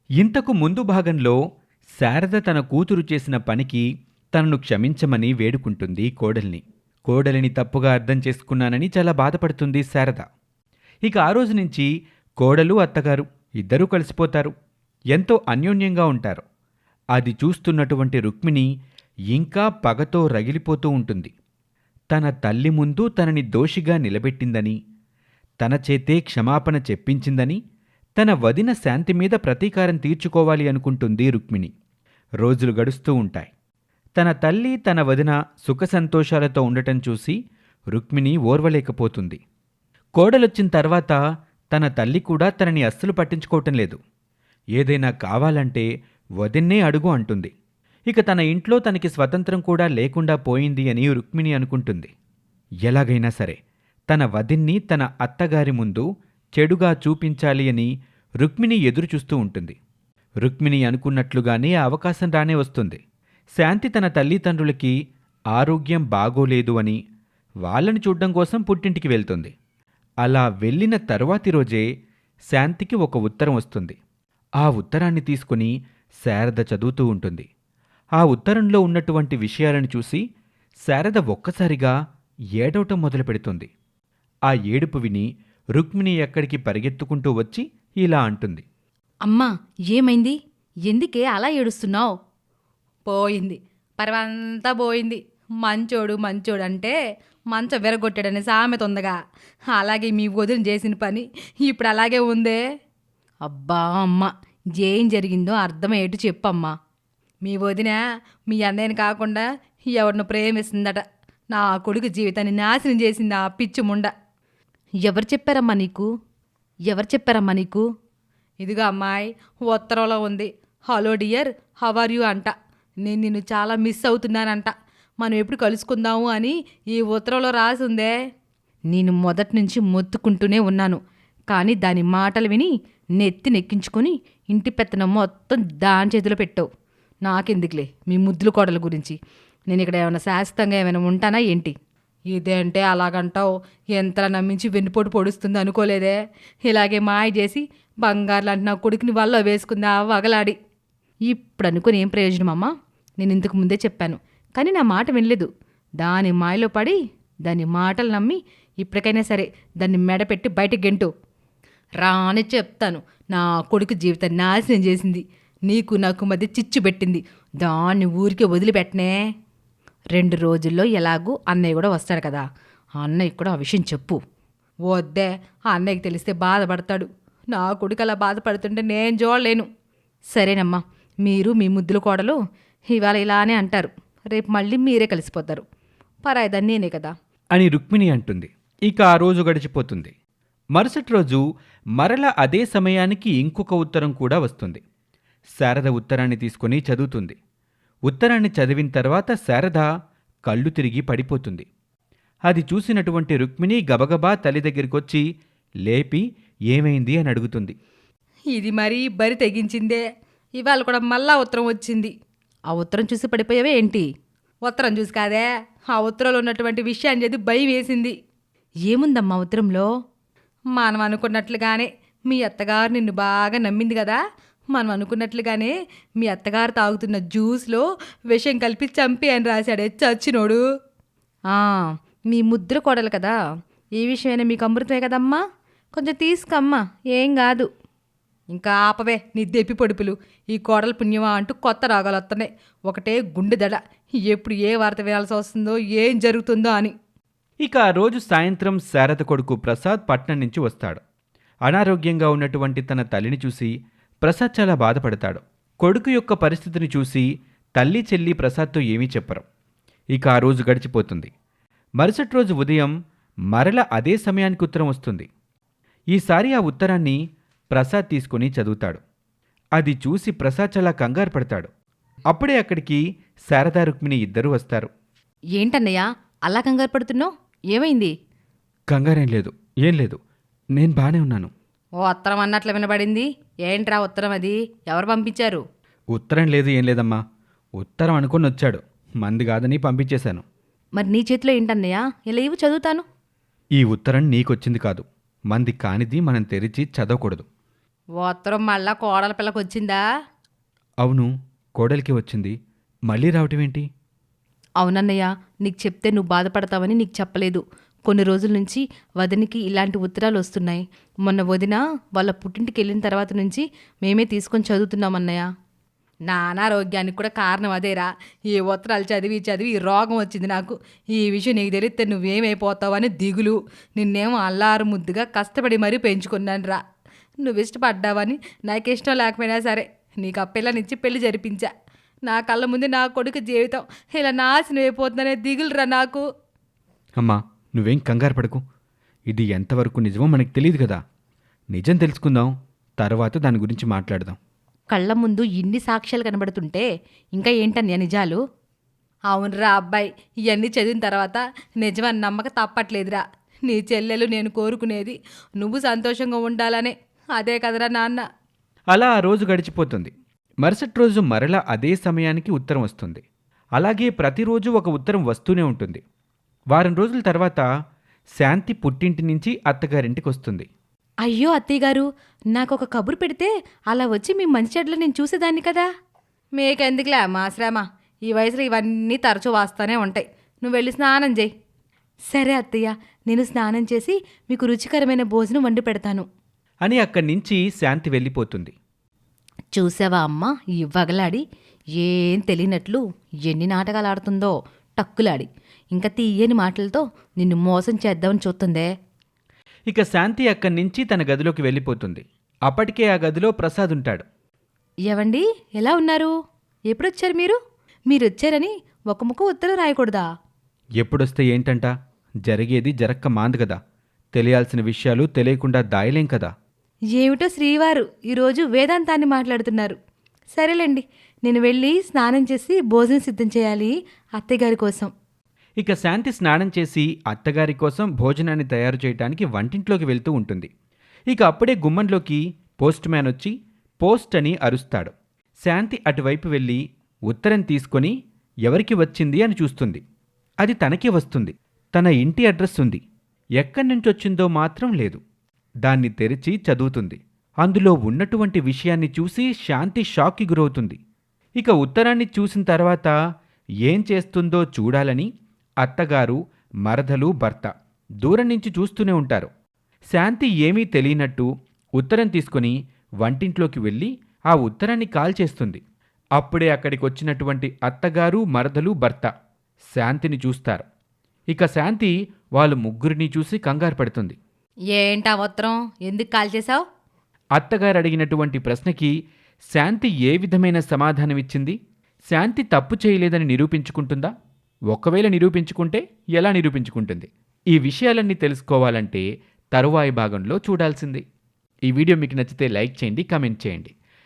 ఇంతకు ముందు భాగంలో శారద తన కూతురు చేసిన పనికి తనను క్షమించమని వేడుకుంటుంది కోడల్ని. కోడలిని తప్పుగా అర్థం చేసుకున్నానని చాలా బాధపడుతుంది శారద. ఇక ఆ రోజు నుంచి కోడలు అత్తగారు ఇద్దరూ కలిసిపోతారు. ఎంతో అన్యోన్యంగా ఉంటారు. అది చూస్తున్నటువంటి రుక్మిణి ఇంకా పగతో రగిలిపోతూ ఉంటుంది. తన తల్లి ముందు తనని దోషిగా నిలబెట్టిందని, తన చేతే క్షమాపణ చెప్పించిందని, తన వదిన శాంతి మీద ప్రతీకారం తీర్చుకోవాలి అనుకుంటుంది రుక్మిణి. రోజులు గడుస్తూ ఉంటాయి. తన తల్లి తన వదిన సుఖసంతోషాలతో ఉండటం చూసి రుక్మిణి ఓర్వలేకపోతుంది. కోడలొచ్చిన తర్వాత తన తల్లి కూడా తనని అస్సలు పట్టించుకోవటం లేదు. ఏదైనా కావాలంటే వదిన్నే అడుగు అంటుంది. ఇక తన ఇంట్లో తనకి స్వతంత్రం కూడా లేకుండా పోయింది అని రుక్మిణి అనుకుంటుంది. ఎలాగైనా సరే తన వదిన్ని తన అత్తగారి ముందు చెడుగా చూపించాలి అని రుక్మిణి ఎదురుచూస్తూ ఉంటుంది. రుక్మిణి అనుకున్నట్లుగానే ఆ అవకాశం రానే వస్తుంది. శాంతి తన తల్లిదండ్రులకి ఆరోగ్యం బాగోలేదు అని వాళ్ళని చూడ్డం కోసం పుట్టింటికి వెళ్తుంది. అలా వెళ్ళిన తరువాతి రోజే శాంతికి ఒక ఉత్తరం వస్తుంది. ఆ ఉత్తరాన్ని తీసుకుని శారద చదువుతూ ఉంటుంది. ఆ ఉత్తరంలో ఉన్నటువంటి విషయాలను చూసి శారద ఒక్కసారిగా ఏడవటం మొదలుపెడుతుంది. ఆ ఏడుపు విని రుక్మిణి ఎక్కడికి పరిగెత్తుకుంటూ వచ్చి ఇలా అంటుంది. అమ్మా, ఏమైంది? ఎందుకే అలా ఏడుస్తున్నావు? పోయింది, పరవంతా పోయింది. మంచోడు మంచోడు అంటే మంచం విరగొట్టాడని సామెత ఉందగా, అలాగే మీ వదిన చేసిన పని ఇప్పుడు అలాగే ఉందే. అబ్బా అమ్మ, ఏం జరిగిందో అర్థమయ్యేట్టు చెప్పమ్మా. మీ వదిన మీ అన్నయ్యని కాకుండా ఎవరిని ప్రేమిస్తుందట. నా కొడుకు జీవితాన్ని నాశనం చేసింది ఆ పిచ్చి ముండ. ఎవరు చెప్పారమ్మా నీకు? ఎవరు చెప్పారమ్మా నీకు? ఇదిగో అమ్మాయి, ఉత్తరంలో ఉంది. Hello dear, how are you అంట. నేను నిన్ను చాలా మిస్ అవుతున్నానంట. మనం ఎప్పుడు కలుసుకుందాము అని ఈ ఉత్తరంలో రాసి ఉందే. నేను మొదటి నుంచి మొత్తుకుంటూనే ఉన్నాను, కానీ దాని మాటలు విని నెత్తి నెక్కించుకొని ఇంటి పెత్తనం మొత్తం దాని చేతిలో పెట్టావు. నాకెందుకులే మీ ముద్దుల కోడల గురించి. నేను ఇక్కడ ఏమైనా శాశ్వతంగా ఏమైనా ఉంటానా ఏంటి? ఇదేంటే అలాగంటావు? ఎంతలా నమ్మించి వెన్నుపోటు పొడుస్తుంది అనుకోలేదే. ఇలాగే మాయ చేసి బంగారు లాంటి నా కొడుకుని వల్ల వేసుకుంది ఆ వగలాడి. ఇప్పుడు అనుకుని ఏం ప్రయోజనం అమ్మా? నేను ఇంతకు ముందే చెప్పాను, కానీ నా మాట వినలేదు. దాని మాయలో పడి దాని మాటలు నమ్మి ఇప్పటికైనా సరే దాన్ని మెడపెట్టి బయటకు గెంటు. రాని చెప్తాను. నా కొడుకు జీవితాన్ని నాశనం చేసింది. నీకు నాకు మధ్య చిచ్చు పెట్టింది. దాన్ని ఊరికే వదిలిపెట్టనే. 2 రోజుల్లో ఎలాగూ అన్నయ్య కూడా వస్తాడు కదా, ఆ అన్నయ్య కూడా ఆ విషయం చెప్పు. వద్దే, ఆ అన్నయ్యకి తెలిస్తే బాధపడతాడు. నా కొడుకు అలా బాధపడుతుంటే నేను చూడలేను. సరేనమ్మా, మీరు మీ ముద్దుల కోడలు ఇవాళ ఇలానే అంటారు, రేపు మళ్ళీ మీరే కలిసిపోతారు. పరాయిదాన్ని నేనే కదా అని రుక్మిణి అంటుంది. ఇక ఆ రోజు గడిచిపోతుంది. మరుసటి రోజు మరల అదే సమయానికి ఇంకొక ఉత్తరం కూడా వస్తుంది. శారద ఉత్తరాన్ని తీసుకుని చదువుతుంది. ఉత్తరాన్ని చదివిన తర్వాత శారద కళ్ళు తిరిగి పడిపోతుంది. అది చూసినటువంటి రుక్మిణి గబగబా తల్లి దగ్గరికొచ్చి లేపి ఏమైంది అని అడుగుతుంది. ఇది మరీ బరి తెగించిందే. ఇవాళ కూడా మళ్ళా ఉత్తరం వచ్చింది. ఆ ఉత్తరం చూసి పడిపోయావే ఏంటి? ఉత్తరం చూసి కాదే, ఆ ఉత్తరంలో ఉన్నటువంటి విషయాన్ని చదివి భయం వేసింది. ఏముందమ్మా ఉత్తరంలో? మనం అనుకున్నట్లుగానే మీ అత్తగారు నిన్ను బాగా నమ్మింది కదా. మనం అనుకున్నట్లుగానే మీ అత్తగారు తాగుతున్న జ్యూస్లో విషం కలిపి చంపి అని రాశాడే చచ్చినోడు. మీ ముద్ర కోడలు కదా, ఈ విషయమైనా మీకు అమృతమే కదమ్మా. కొంచెం తీసుకమ్మా, ఏం కాదు. ఇంకా ఆపవే నీ దెప్పి పొడుపులు. ఈ కోడలు పుణ్యమా అంటూ కొత్త రాగాలు వస్తున్నాయి. ఒకటే గుండె దడ. ఎప్పుడు ఏ వార్త వినాల్సి వస్తుందో, ఏం జరుగుతుందో అని. ఇక ఆ రోజు సాయంత్రం శారద కొడుకు ప్రసాద్ పట్నం నుంచి వస్తాడు. అనారోగ్యంగా ఉన్నటువంటి తన తల్లిని చూసి ప్రసాద్ చాలా బాధపడతాడు. కొడుకు యొక్క పరిస్థితిని చూసి తల్లి చెల్లి ప్రసాద్తో ఏమీ చెప్పరు. ఇక ఆ రోజు గడిచిపోతుంది. మరుసటి రోజు ఉదయం మరల అదే సమయానికి ఉత్తరం వస్తుంది. ఈసారి ఆ ఉత్తరాన్ని ప్రసాద్ తీసుకుని చదువుతాడు. అది చూసి ప్రసాద్ చాలా కంగారు పడతాడు. అప్పుడే అక్కడికి శారదా రుక్మిణి ఇద్దరూ వస్తారు. ఏంటన్నయ్యా అలా కంగారు పడుతున్నావు? ఏమైంది? కంగారేం లేదు, ఏం లేదు, నేను బానే ఉన్నాను. ఓ ఉత్తరం అన్నట్లు వినబడింది. ఏంట్రా ఉత్తరం? అది ఎవరు పంపించారు? ఉత్తరం లేదు, ఏం లేదమ్మా. ఉత్తరం అనుకుని వచ్చాడు, మంది కాదని పంపించేశాను. మరి నీ చేతిలో ఏంటన్నయ్యా? ఇలా ఇవ్వు, చదువుతాను. ఈ ఉత్తరం నీకొచ్చింది కాదు, మంది కానిది మనం తెరిచి చదవకూడదు. ఉత్తరం మళ్ళా కోడల పిల్లకి వచ్చిందా? అవును, కోడలికి వచ్చింది. మళ్ళీ రావటం ఏంటి? అవునన్నయ్య, నీకు చెప్తే నువ్వు బాధపడతావని నీకు చెప్పలేదు. కొన్ని రోజుల నుంచి వదినికి ఇలాంటి ఉత్తరాలు వస్తున్నాయి. మొన్న వదిన వాళ్ళ పుట్టింటికి వెళ్ళిన తర్వాత నుంచి మేమే తీసుకొని చదువుతున్నామన్నయ్య. నా అనారోగ్యానికి కూడా కారణం అదేరా. ఈ ఉత్తరాలు చదివి చదివి ఈ రోగం వచ్చింది నాకు. ఈ విషయం నీకు తెలిస్తే నువ్వేమైపోతావని దిగులు. నిన్నేమో అల్లారు ముద్దుగా కష్టపడి మరీ పెంచుకున్నాను రా. నువ్వు ఇష్టపడ్డావని నాకు ఇష్టం లేకపోయినా సరే నీకు ఆ పిల్లనిచ్చి పెళ్లి జరిపించా. నా కళ్ళ ముందు నా కొడుకు జీవితం ఇలా నాశనం అయిపోతుందనే దిగులురా నాకు. అమ్మా, నువ్వేం కంగారు పడకు. ఇది ఎంతవరకు నిజమో మనకు తెలియదు కదా. నిజం తెలుసుకుందాం, తర్వాత దాని గురించి మాట్లాడదాం. కళ్ళ ముందు ఇన్ని సాక్ష్యాలు కనబడుతుంటే ఇంకా ఏంటన్నయ్య నిజాలు? అవునరా అబ్బాయి, ఇవన్నీ చదివిన తర్వాత నిజమని నమ్మక తప్పట్లేదురా. నీ చెల్లెలు నేను కోరుకునేది నువ్వు సంతోషంగా ఉండాలనే. అదే కదరా నాన్న. అలా ఆ రోజు గడిచిపోతుంది. మరుసటి రోజు మరలా అదే సమయానికి ఉత్తరం వస్తుంది. అలాగే ప్రతిరోజు ఒక ఉత్తరం వస్తూనే ఉంటుంది. వారం రోజుల తర్వాత శాంతి పుట్టింటి నుంచి అత్తగారింటికి వస్తుంది. అయ్యో అత్తయ్యగారు, నాకు ఒక కబురు పెడితే అలా వచ్చి మీ మంచి చెడ్లు నేను చూసేదాన్ని కదా. మీకెందుకులే మా శ్రమ, ఈ వయసులో ఇవన్నీ తరచూ వస్తూనే ఉంటాయి. నువ్వు వెళ్ళి స్నానం చేయి. సరే అత్తయ్య, నేను స్నానం చేసి మీకు రుచికరమైన భోజనం వండి పెడతాను అని అక్కడి నుంచి శాంతి వెళ్ళిపోతుంది. చూసావా అమ్మ, ఈ వగలాడి ఏం తెలియనట్లు ఎన్ని నాటకాలు ఆడుతుందో. టక్కులాడి ఇంకా తీయని మాటలతో నిన్ను మోసం చేద్దామని చూస్తుందే. ఇక శాంతి అక్కడి నుంచి తన గదిలోకి వెళ్ళిపోతుంది. అప్పటికే ఆ గదిలో ప్రసాద్ ఉంటాడు. ఏవండి, ఎలా ఉన్నారు? ఎప్పుడొచ్చారు మీరు? మీరొచ్చారని ఒక ముక్క ఉత్తరం రాయకూడదా? ఎప్పుడొస్తే ఏంటంట? జరిగేది జరక్క మాందు కదా. తెలియాల్సిన విషయాలు తెలియకుండా దాయలేం కదా. ఏమిటో శ్రీవారు ఈరోజు వేదాంతాన్ని మాట్లాడుతున్నారు. సరేలేండి, నేను వెళ్ళి స్నానం చేసి భోజనం సిద్ధం చేయాలి అత్తయ్యగారి కోసం. ఇక శాంతి స్నానం చేసి అత్తగారి కోసం భోజనాన్ని తయారు చేయడానికి వంటింట్లోకి వెళ్తూ ఉంటుంది. ఇక అప్పుడే గుమ్మంలోకి పోస్ట్ మ్యాన్ వచ్చి పోస్ట్ అని అరుస్తాడు. శాంతి అటువైపు వెళ్ళి ఉత్తరం తీసుకొని ఎవరికి వచ్చింది అని చూస్తుంది. అది తనకే వస్తుంది. తన ఇంటి అడ్రస్ ఉంది. ఎక్కడి నుంచొచ్చిందో మాత్రం లేదు. దాన్ని తెరిచి చదువుతుంది. అందులో ఉన్నటువంటి విషయాన్ని చూసి శాంతి షాక్కి గురవుతుంది. ఇక ఉత్తరాన్ని చూసిన తర్వాత ఏం చేస్తుందో చూడాలని అత్తగారు, మరదలు, భర్త దూరం నుంచి చూస్తూనే ఉంటారు. శాంతి ఏమీ తెలియనట్టు ఉత్తరం తీసుకుని వంటింట్లోకి వెళ్ళి ఆ ఉత్తరాన్ని కాల్చేస్తుంది. అప్పుడే అక్కడికి వచ్చినటువంటి అత్తగారు, మరదలు, భర్త శాంతిని చూస్తారు. ఇక శాంతి వాళ్ళు ముగ్గురిని చూసి కంగారు పడుతుంది. ఏంటా ఉత్తరం ఎందుకు కాల్ చేశావు? అత్తగారు అడిగినటువంటి ప్రశ్నకి శాంతి ఏ విధమైన సమాధానమిచ్చింది? శాంతి తప్పు చేయలేదని నిరూపించుకుంటుందా? ఒకవేళ నిరూపించుకుంటే ఎలా నిరూపించుకుంటుంది? ఈ విషయాలన్నీ తెలుసుకోవాలంటే తరువాయి భాగంలో చూడాల్సింది. ఈ వీడియో మీకు నచ్చితే లైక్ చేయండి, కామెంట్ చేయండి.